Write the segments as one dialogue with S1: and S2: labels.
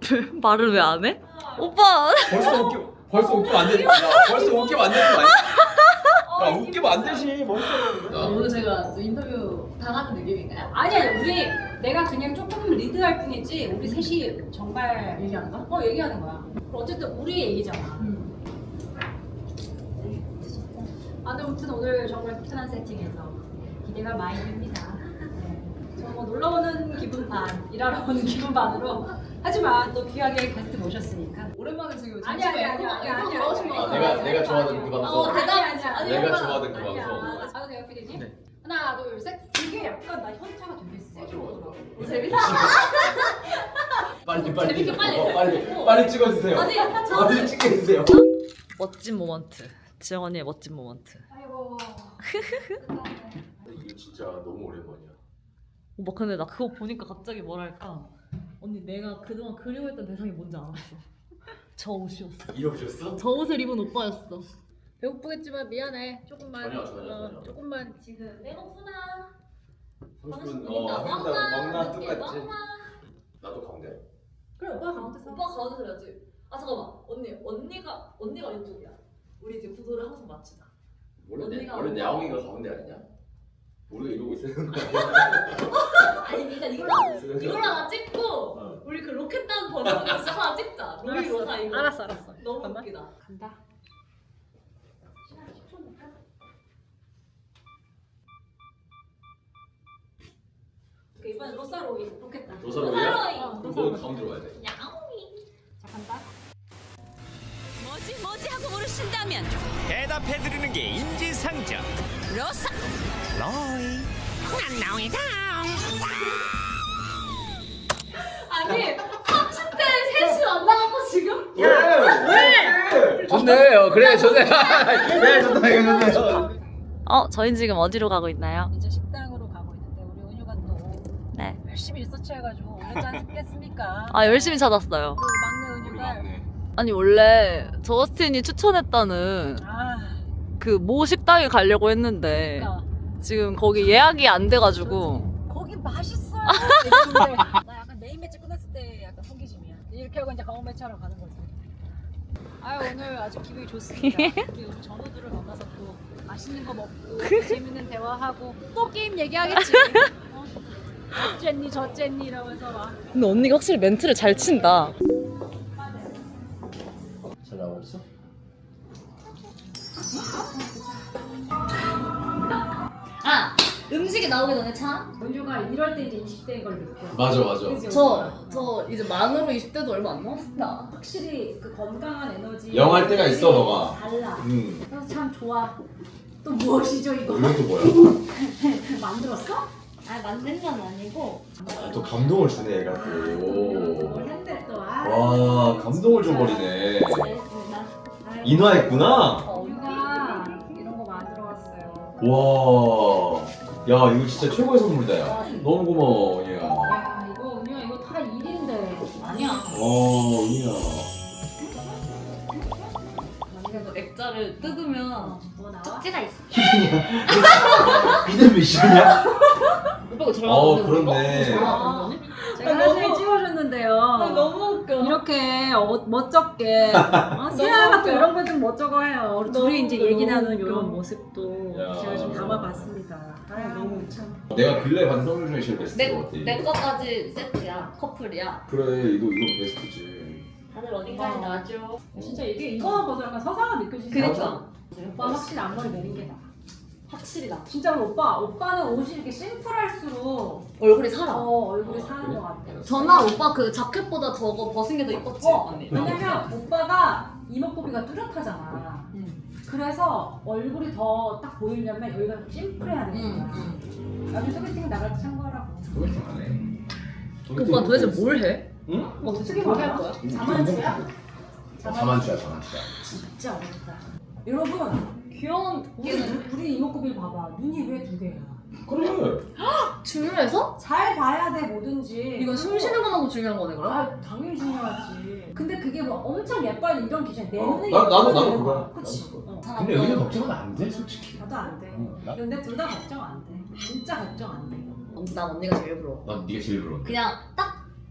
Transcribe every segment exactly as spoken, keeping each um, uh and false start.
S1: 말을 왜 안 해? 오빠.
S2: 벌써 웃기 벌써 웃기면 안 되지. 야, 벌써 웃기면 안 되는 거 아니야? 야, 웃기면 안 되지. 벌써.
S3: 오늘 제가 또 인터뷰 당하는 느낌인가요?
S4: 아니야 우리 내가 그냥 조금 리드할 뿐이지 우리 셋이 정말
S3: 얘기하는 거?
S4: 어 얘기하는 거야. 어쨌든 우리 얘기잖아.
S3: 음.
S4: 아무튼 오늘 정말 편한 세팅에서 기대가 많이 됩니다. 네. 저뭐 놀러 오는 기분 반, 일하러 오는 기분 반으로 하지만 또 귀하게 게스트 모셨으니까.
S3: 오랜만에 지금
S4: 아니 아니 아니 아니 아니
S3: 나오신 거
S2: 아,
S3: 같아요.
S2: 내가 내가 좋아하는 그 방송.
S3: 어, 대답.
S4: 아니 아니
S2: 내가
S4: 아니
S2: 좋아하는 그
S4: 아니야.
S2: 방송.
S4: 아 내가 피디님.
S2: 네.
S4: 하나 둘 셋. 이게 약간 나 현타가 되게 세게 오더라고.
S3: 재밌다.
S2: 빨리 빨리.
S3: 재밌게 빨리.
S2: 어, 빨리 빨리 찍어주세요.
S3: 아니,
S2: 빨리 찍어주세요.
S1: 멋진 모먼트. 지영 언니의 멋진 모먼트.
S4: 아이고.
S2: 이게 진짜 너무 오랜만이야.
S1: 오빠 근데 나 그거 보니까 갑자기 뭐랄까. 언니 내가 그동안 그리워했던 대상이 뭔지 알았어. 저 옷이었어.
S2: 이러셨어?
S1: 저 옷을 입은 오빠였어.
S4: 배고프겠지만 미안해. 조금만.
S2: 전혀, 전혀,
S4: 어,
S2: 전혀.
S4: 조금만.
S3: 지금 배고프나?
S2: 삼십 분
S3: 먹나?
S2: 어 먹나 먹나
S3: 이렇게
S2: 똑같지.
S3: 먹나?
S2: 나도 가운데.
S4: 그래 오빠 가운데 서.
S3: 오빠 가도 돼야지. 아 잠깐만 언니 언니가 언니가 왼쪽이야. 우리 이제 구도를 항상 맞추자.
S2: 원래 내,
S3: 언니가
S2: 원래
S3: 언니가-
S2: 야옹이가 가운데 아니냐? 우리가 이러고 있었는 거
S3: 아니 일단 이걸로 이걸로 하나 찍고
S2: 어.
S3: 우리 그 로켓단 버전으로 하나 찍자. 로이 로사 이거.
S4: 알았어 알았어.
S3: 너무
S4: 잠깐만.
S3: 웃기다.
S4: 간다. 그 이번엔 로사로이 로켓다.
S2: 로사로이야?
S3: 로사로이.
S2: 그럼 너는 가운데로 와야 돼.
S3: 야옹이.
S4: 자 간다.
S5: 뭐지 뭐지 하고 물으신다면
S6: 대답해드리는 게 인지상정.
S5: 로사
S6: 로이.
S5: 난 나오이다.
S3: 아니 삼십 대 셋이 만나갖고 지금?
S2: 왜? 왜? 좋네. 어, 그래 좋네. 그래 좋다 이거 좋네.
S1: 어, 저희 지금 어디로 가고 있나요?
S4: 이제 식당으로 가고 있는데 우리 은유가 또
S1: 네.
S4: 열심히 리서치해가지고 오셨지 않겠습니까?
S1: 아, 열심히 찾았어요.
S4: 우리 막내 은유가
S1: 아니 원래 저스틴이 추천했다는
S4: 아
S1: 그 모 식당에 가려고 했는데
S4: 그러니까
S1: 지금 거기 예약이 안 돼가지고
S4: 거기 맛있어요. 이랬는데 나 약간 메인 매치 끝났을 때 약간 호기심이야. 이렇게 하고 이제 강원 매치하러 가는 거지. 아유 오늘 아주 기분이 좋습니다. 우리 우리 전우들을 만나서 또 맛있는 거 먹고 재밌는 대화하고 또 게임 얘기하겠지. 어? 어쨌니 저쨌니 이러면서 막.
S1: 근데 언니가 확실히 멘트를 잘 친다.
S2: 잘 나오고 있어?
S3: 아 음식이 나오기 전에 차?
S4: 은유가 이럴 때 이제 이십 대인 걸 느껴.
S2: 맞아 맞아.
S4: 그치?
S3: 저, 저 이제 만으로 이십 대도 얼마 안 남았다.
S4: 확실히 그 건강한 에너지
S2: 영할 때가 있어, 너가.
S4: 달라.
S2: 음.
S4: 그래서 참 좋아. 또 무엇이죠 이거?
S2: 이건 또 뭐야?
S4: 만들었어?
S3: 아 만든 건 아니고
S2: 아, 또 감동을 주네 얘가
S4: 뭘
S2: 또.
S4: 했대 또. 아.
S2: 와 감동을 줘버리네.
S3: 잘했습니다.
S2: 인화했구나.
S4: 은유가 이런 거 만들어 왔어요.
S2: 와. 야 이거 진짜 최고의 선물이다 야. 너무 고마워 얘야.
S4: 야 이거 은유야 이거 다 일인데.
S3: 아니야.
S2: 어 은희야.
S3: 만약에 너 액자를 뜯으면
S4: 뭐 나와?
S3: 쪽지가 있어.
S2: 이름 미션이야?
S3: 오빠 이거 잘
S2: 어,
S3: 만드는 거?
S2: 그렇네.
S3: 잘 만드는 거니?
S4: 제가
S3: 아,
S4: 사진
S3: 너무-
S4: 찍어줬는데요.
S3: 너무 웃겨.
S4: 이렇게 어, 멋쩍게 어, 세아가 또
S3: 웃겨.
S4: 이런 거 좀 멋쩍어 해요. 우리 둘이 이제
S3: 너무
S4: 얘기 나누는
S3: 웃겨.
S4: 이런 모습도
S2: 야.
S4: 제가 좀 담아봤습니다. 아 너무 참.
S2: 내가 근래 받은 선물 중에 제일 베스트 것 같아.
S3: 내, 내 거까지 세트야. 커플이야.
S2: 그래 이거 이거 베스트지.
S3: 다들 어디까지
S4: 어.
S3: 나죠?
S4: 진짜 이게 이거만 봐도 약간 서사가 느껴지지.
S3: 그니까.
S4: 오빠 확실히 앞머리 내린 게 나.
S3: 확실히 나.
S4: 진짜로 오빠 오빠는 옷이 이렇게 심플할수록
S3: 얼굴이 살아.
S4: 어 얼굴이
S2: 어,
S4: 사는
S2: 그래?
S4: 것 같아.
S3: 전화 오빠 그 자켓보다 저거 벗은 게 더 이뻤지?
S4: 어,
S3: 언니.
S4: 왜냐면 오빠가 이목구비가 뚜렷하잖아.
S3: 응.
S4: 그래서 얼굴이 더 딱 보이려면 여기가 좀 심플해야 되는
S3: 응.
S4: 거야.
S3: 응.
S4: 나중에 소개팅 나갈 때 참고하라고.
S2: 소개팅 안 해.
S1: 오빠 도대체 뭘 해?
S2: 응?
S4: 어떻게
S3: 뭘
S4: 말할
S3: 할 거야?
S4: 자만추야?
S2: 자만추야 자만추야.
S4: 진짜 어렵다. 여러분,
S3: 귀여운
S4: 우리,
S3: 걔는
S4: 우리 이목구비 봐봐. 눈이 왜 두 개야?
S2: 그래.
S3: 중요해서?
S4: 잘 봐야 돼 뭐든지.
S3: 이건 숨 쉬는 것만도 중요한 거네 그럼?
S4: 아 당연히 중요하지. 근데 그게 뭐 엄청 예뻐야 돼 이런 기준 내
S2: 어,
S4: 눈에
S2: 나- 나도-
S4: 예뻐야
S2: 나도
S4: 되는
S2: 그거야.
S4: 거야. 그치?
S2: 나도 그거.
S4: 어.
S2: 근데 은희 걱정은 안 돼 솔직히.
S4: 나도 안 돼.
S2: 어, 나?
S4: 근데 둘 다 걱정 안 돼. 진짜 걱정 안 돼.
S3: 난 언니가 제일 부러워.
S2: 난 네가 제일 부러워.
S3: 그냥 딱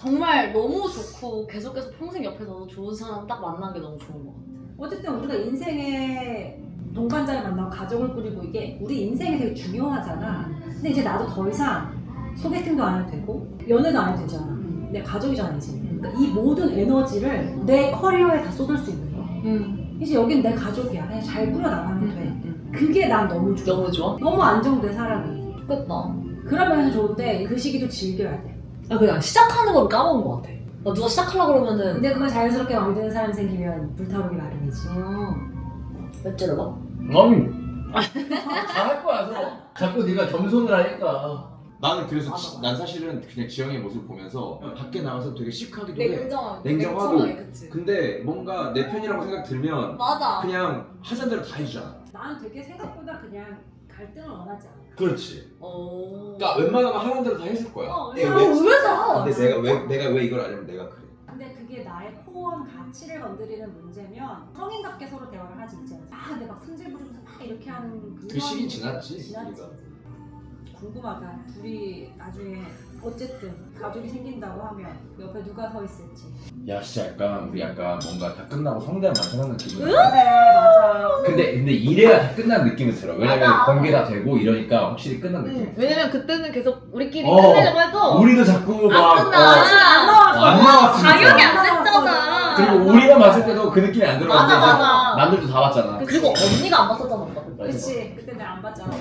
S1: 정말 너무 좋고 계속해서 평생 옆에서 좋은 사람 딱 만난 게 너무 좋은 것 같아.
S4: 어쨌든 우리가 인생에 동반자를 만나고 가족을 꾸리고 이게 우리 인생이 되게 중요하잖아. 근데 이제 나도 더 이상 소개팅도 안 해도 되고 연애도 안 해도 되잖아. 내 가족이잖아 이제. 그러니까 이 모든 에너지를 내 커리어에 다 쏟을 수 있는 거야.
S1: 응.
S4: 이제 여긴 내 가족이야. 그냥 잘 꾸려나가면 돼.
S1: 응.
S4: 그게 난 너무 좋아.
S1: 너무 좋아?
S4: 너무 안정돼 사람이.
S1: 좋겠다.
S4: 그런 면에서 좋은데 그 시기도 즐겨야 돼.
S1: 아 그냥 시작하는 걸 까먹은 것 같아. 나 누가 시작하려고 그러면은
S4: 근데 그걸 자연스럽게 마음에 드는 사람 생기면 불타오르기 마련이지.
S1: 몇 개를 봐?
S2: 아니 잘할 거야 서로. 자꾸 네가 겸손을 하니까. 나는 그래서
S1: 맞아,
S2: 지-
S1: 맞아.
S2: 난 사실은 그냥 지영의 모습 보면서 밖에 나가서 되게 시크하기도 해.
S1: 냉정하게.
S2: 냉정하고.
S1: 냉정하게, 그치.
S2: 근데 뭔가 내 편이라고 생각 들면
S1: 맞아.
S2: 그냥 하자는 대로 다 해주잖아.
S4: 나는 되게 생각보다 그냥 갈등을 원하지 않아.
S2: 그렇지.
S1: 어.
S2: 그러니까 웬만하면 하라는 대로 다 해줄 거야.
S4: 어,
S2: 내가
S1: 아,
S2: 왜-
S1: 의외다.
S2: 근데 내가 왜 내가 왜 이걸 안 하면 내가 그래.
S4: 근데 그게 나의 코어한 가치를 건드리는 문제면 성인답게 서로 대화를 하지 이제. 아 근데 막 승질 부리면서 막 이렇게 하는
S2: 그 시기 지났지,
S4: 지났지.
S2: 우리가.
S4: 궁금하다. 둘이 나중에 어쨌든 가족이 생긴다고 하면 옆에 누가 서 있을지.
S2: 야 진짜 약간 우리 약간 뭔가 다 끝나고 성대한 만찬하는 기분.
S4: 그래 맞아.
S2: 근데 근데 이래야 다 끝난 느낌이 들어. 왜냐면
S1: 맞아.
S2: 공개 다 되고 이러니까 확실히 끝난 느낌.
S1: 응. 왜냐면 그때는 계속 우리끼리
S2: 어.
S1: 끝내려고 해도
S2: 우리도 자꾸 막
S1: 안 끝나.
S2: 어,
S4: 안 나왔어.
S2: 안 나왔으니까.
S1: 당연히 안 됐잖아.
S2: 그리고 우리가 봤을 때도 그 느낌이 안 들어갔는데
S1: 맞아,
S2: 이제
S1: 맞아.
S2: 남들도 다 봤잖아.
S1: 그리고 언니가 안 봤었잖아 오빠.
S4: 그렇지. 그때 내가 안 봤잖아.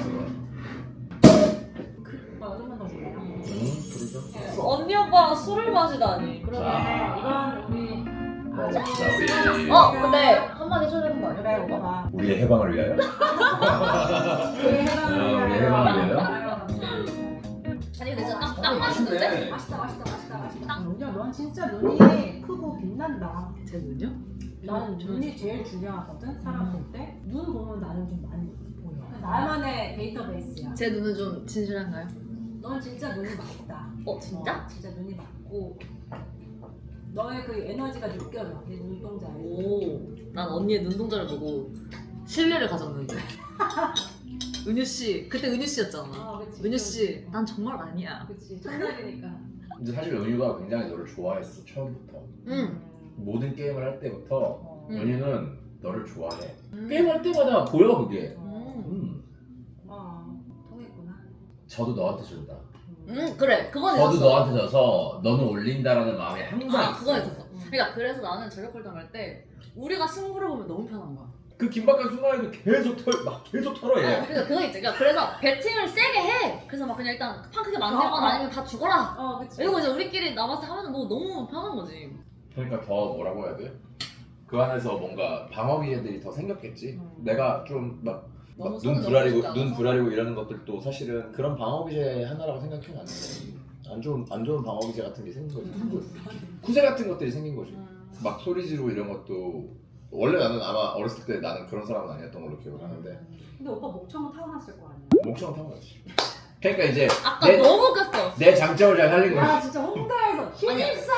S4: 그, 뭐 좀만 더 줄래요?
S2: 음, 그러죠.
S1: 언니 오빠랑 술을 마시다니.
S4: 그러면
S2: 자.
S4: 이건 우리
S2: 어,
S4: 아주
S2: 자, 우리-
S4: 수고하셨습니다.
S1: 어 근데 한마디 해줘야 되는 거 아니야?
S4: 그래
S1: 오빠?
S4: 오빠.
S2: 우리의 해방을 위하여.
S4: 우리 해방을
S2: 어, 우리
S4: 위하여.
S2: 해방을 위하여.
S4: 아유, 감사합니다.
S1: 아니 근데 진짜 딱,
S2: 어,
S1: 딱 맛있는데?
S2: 맛있네.
S4: 맛있다 맛있다 맛있다 맛있다. 영주야 넌 진짜 눈이 크고 빛난다.
S1: 제 눈이요?
S4: 나는 눈이 제일 중요하거든 사람 볼 때. 눈 보면 나는 좀 많이 보여. 나만의 데이터베이스야.
S1: 제 눈은 좀 진실한가요?
S4: 넌 진짜 눈이 맑다.
S1: 어 진짜?
S4: 어, 진짜 눈이 맑고 너의 그 에너지가 느껴져. 내 눈동자에.
S1: 오, 난 언니의 눈동자를 보고 신뢰를 가졌는데. 은유 씨, 그때 은유 씨였잖아.
S4: 어, 그치.
S1: 은유 씨, 난 정말 아니야.
S4: 그치. 첫날이니까.
S2: 근데 사실 은유가 굉장히 너를 좋아했어 처음부터.
S1: 응.
S2: 모든 게임을 할 때부터
S4: 어.
S1: 음.
S2: 은유는 너를 좋아해.
S1: 음.
S2: 게임할 때마다 보여 그게.
S1: 음.
S2: 음.
S4: 어, 통했구나.
S2: 저도 너한테 준다.
S1: 응, 그래. 그건
S2: 저도
S1: 있었어.
S2: 너한테 져서 너는 올린다라는 마음이 항상
S1: 아,
S2: 있어.
S1: 그건 있었어. 그러니까 그래서 나는 전력홀당 할 때 우리가 승부를 보면 너무 편한 거야.
S2: 그 긴박한 순간에도 계속 털, 막 계속 털어
S1: 어,
S2: 얘.
S1: 그러니까 그거 있지. 그러니까 그래서 배팅을 세게 해. 그래서 막 그냥 일단 판 크게 만들거나
S4: 어, 어.
S1: 아니면 다 죽어라.
S4: 어, 그치.
S1: 이러고 이제 우리끼리 남아서 하면 뭐 너무 편한 거지.
S2: 그러니까 더 뭐라고 해야 돼? 그 안에서 뭔가 방어 기제들이 더 생겼겠지.
S4: 음.
S2: 내가 좀막
S1: 너무
S2: 눈
S1: 손을
S2: 부라리고
S1: 넘어지지
S2: 눈
S1: 않아서.
S2: 부라리고 이러는 것들도 사실은 그런 방어 기제 하나라고 생각해 놨는데 안 좋은 안 좋은 방어 기제 같은 게 생긴 거지. 구세 같은 것들이 생긴 거지.
S1: 음.
S2: 막 소리 지르고 이런 것도 원래 나는 아마 어렸을 때 나는 그런 사람은 아니었던 걸로 기억을 하는데
S4: 근데 오빠 목청은 타고났을 거 아니야.
S2: 목청은 타고 갔지. 그러니까 이제
S1: 아까
S2: 내,
S1: 너무 웃겼어.
S2: 내 장점을 잘 살린 거지.
S4: 야 진짜 홍대에서 힘입사.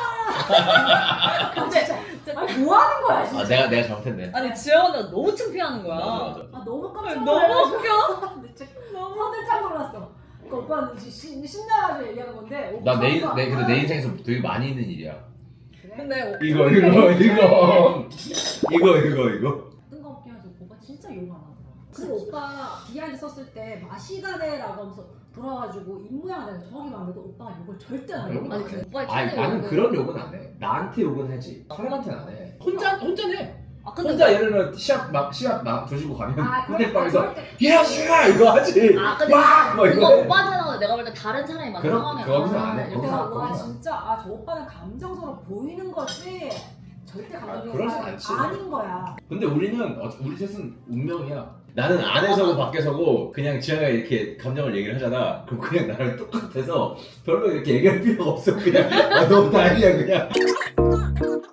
S1: 근데
S4: 아니 뭐 하는 거야 진짜.
S2: 아 내가 내가 잘못했네.
S1: 아니 지영 언니가 너무 창피하는 거야.
S2: 맞아 맞아.
S4: 아 너무 깜짝
S1: 너무
S4: 놀라가지고.
S1: 웃겨.
S4: 진짜 너무 화들짝 놀랐어. 그러니까 오빠는 시- 신- 신나가지고 얘기하는 건데.
S2: 나내
S4: 오빠가-
S2: 내 근데 내 인생에서 되게 많이 있는 일이야.
S4: 그래?
S1: 근데
S2: 이거 이거 이거 이거 이거 이거.
S4: 뜬금없게 해서 오빠 진짜 욕 안 하더라. 그리고 오빠 비하인드 썼을 때 마시가네라고 하면서 돌아와가지고 입 모양을 내가 정확히 봤는데도 오빠가 욕을 절대 안 해.
S2: 욕은
S1: 아니 그 오빠의
S2: 아니
S1: 최대
S2: 나는
S1: 욕은-
S2: 그런 욕은 안 해. 나한테 욕은 하지. 사람한테는 안 해. 혼자 혼자 해.
S1: 아 근데
S2: 혼자 예를 들어 시합 막 시합 막 조지고 가면
S4: 아, 그럴-
S2: 호텔방에서
S4: 아, 그럴 때-
S2: 야 씨가 이거 하지.
S1: 아 근데
S2: 막! 뭐
S1: 그거
S2: 이거 해.
S1: 오빠한테 나오는데 내가 볼 때 다른 사람이 만든
S2: 그럼-
S1: 상황이야.
S2: 거기서 안 해.
S1: 이렇게
S2: 거기서
S1: 하고.
S4: 와
S2: 거기서.
S4: 진짜 아 저 오빠는 감정서로 보이는 거지 절대
S2: 아,
S4: 감정적인
S2: 그러진
S4: 사람이
S2: 않지.
S4: 아닌 거야.
S2: 근데 우리는 어, 우리 셋은 운명이야. 나는 안에서고 밖에서고 그냥 지아가 이렇게 감정을 얘기를 하잖아. 그럼 그냥 나랑 똑같아서 별로 이렇게 얘기할 필요가 없어. 그냥 아, 너무 다행이야 그냥.